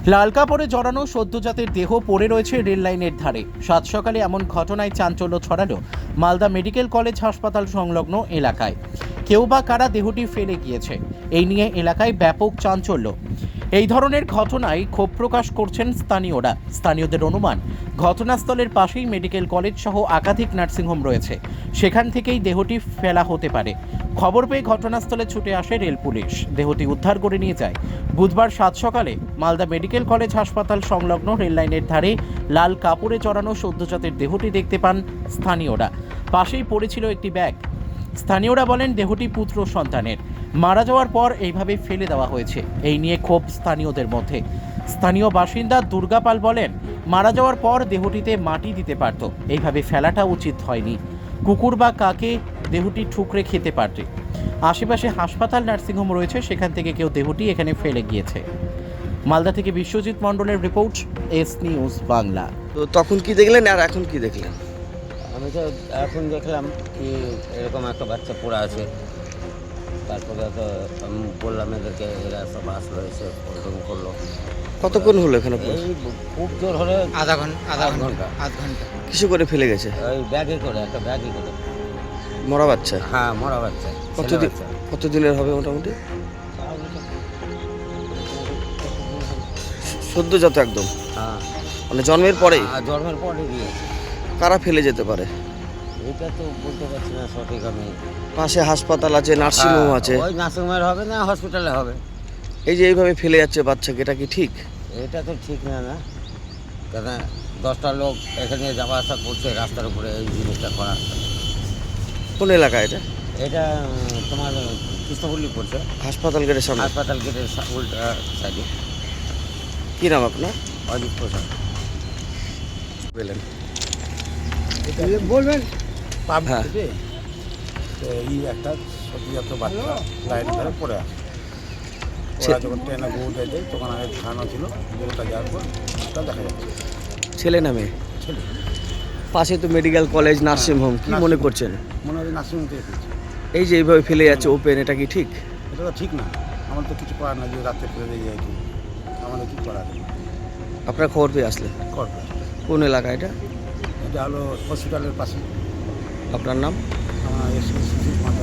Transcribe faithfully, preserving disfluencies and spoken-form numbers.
লাল কাপড়ে জড়ানো সদ্যজাতের দেহ পড়ে রয়েছে রেল লাইনের ধারে। সাত সকালে এমন ঘটনায় চাঞ্চল্য ছড়ালো মালদা মেডিকেল কলেজ হাসপাতাল সংলগ্ন এলাকায়। কেউ বা কারা দেহটি ফেলে গিয়েছে, এই নিয়ে এলাকায় ব্যাপক চাঞ্চল্য। এই ধরনের ঘটনায় ক্ষোভ প্রকাশ করছেন স্থানীয়রা। স্থানীয়দের অনুমান, ঘটনাস্থলের পাশেই মেডিকেল কলেজ সহ একাধিক নার্সিংহোম রয়েছে, সেখান থেকেই দেহটি ফেলা হতে পারে। খবর পেয়ে ঘটনাস্থলে ছুটে আসে রেল পুলিশ, দেহটি উদ্ধার করে নিয়ে যায়। বুধবার সাত সকালে মালদা মেডিকেল কলেজ হাসপাতাল সংলগ্ন রেল লাইনের ধারে লাল কাপড়ে জড়ানো সদ্যজাতের দেহটি দেখতে পান স্থানীয়রা। পাশেই পড়েছিল একটি ব্যাগ। স্থানীয়রা বলেন, দেহটি পুত্র সন্তানের, মারা যাওয়ার পর এইভাবে ফেলে দেওয়া হয়েছে। এই নিয়ে ক্ষোভ স্থানীয়দের মধ্যে। স্থানীয় বাসিন্দা দুর্গা পাল বলেন, মারা যাওয়ার পর দেহটিতে মাটি দিতে পারত, এইভাবে ফেলাটা উচিত হয়নি। কুকুর বা কাকে দেহটি ঠুকরে খেতে পারবে। আশেপাশে হাসপাতাল, নার্সিংহোম রয়েছে, সেখান থেকে কেউ দেহটি এখানে ফেলে গিয়েছে। মালদা থেকে বিশ্বজিৎ মণ্ডলের রিপোর্ট, এস নিউজ বাংলা। তো তখন কি দেখলেন আর এখন কি দেখলেন? আমি তো এখন দেখলাম কি এরকম একটা বাচ্চা পড়ে আছে। তারপরে তো আমি বললাম এদেরকে, এরা সব আসলো, এসে ফোন করলো। কতক্ষণ হলো এখানে? এই খুব জোর হলে আধা ঘন্টা আধা আধ ঘন্টা ঘন্টা আধ ঘন্টা কিছু করে ফেলে গেছে? ওই ব্যাগে করে, একটা ব্যাগে করে। মরা বাচ্চা? হ্যাঁ, মরা বাচ্চা। ছেলে কতদিন বাচ্চা। কতদিনের হবে মোটামুটি? সদ্যজাত একদম, হ্যাঁ, মানে জন্মের পরেই? আর জন্মের পরে দিয়েছে। কারা ফেলে যেতে পারে? এটা তো বলতে পারছি না সঠিক আমি। পাশে হাসপাতাল আছে, নার্সিংহোম হ্যাঁ, আছে, ওই নার্সিংহোমের হবে না হসপিটালে হবে। এই যে এইভাবে ফেলে যাচ্ছে বাচ্চাকে, এটা কি ঠিক? এটা তো ঠিক না না, কেন দশটা লোক এখানে যাওয়া আসা করছে রাস্তার উপরে, এই জিনিসটা করা। কোন এলাকা এটা? এটা উম, তোমার কৃষ্ণপল্লী পড়ছে, হাসপাতাল গেটের সামনে। হাসপাতাল গেটের সা- উল্টা সাইডে। কি নাম আপনার? অজিত প্রসাদ। বললেন বলবেন পাব হ্যাঁ। থেকে তো এই একটা সদ্যজাত বাচ্চা লাইনের ধারে পড়ে আছে। ওরা যখন ট্রেনে বউ দেয় তখন আগে খাওয়ানো ছিল, বউটা যাওয়ার পর ওটা দেখা যাচ্ছে ছেলে নামে? ছেলে। পাশে তো মেডিকেল কলেজ, নার্সিংহোম, কি মনে নার্সিংহোম। করছেন? মনে হয় নার্সিংহোম থেকে ফেলছে। এই যে এইভাবে ফেলে যাচ্ছে ওপেন, এটা কি ঠিক? এটা তো ঠিক না, আমার তো কিছু করার না, যে রাত্রে ফেলে দিয়ে যায় কি, আমাদের কী করার আপনার খবর পেয়ে আসলেন? করবে। কোন এলাকা এটা? এটা হলো হসপিটালের পাশে। আপনার নাম? আমার এসে সুজিত মাতা।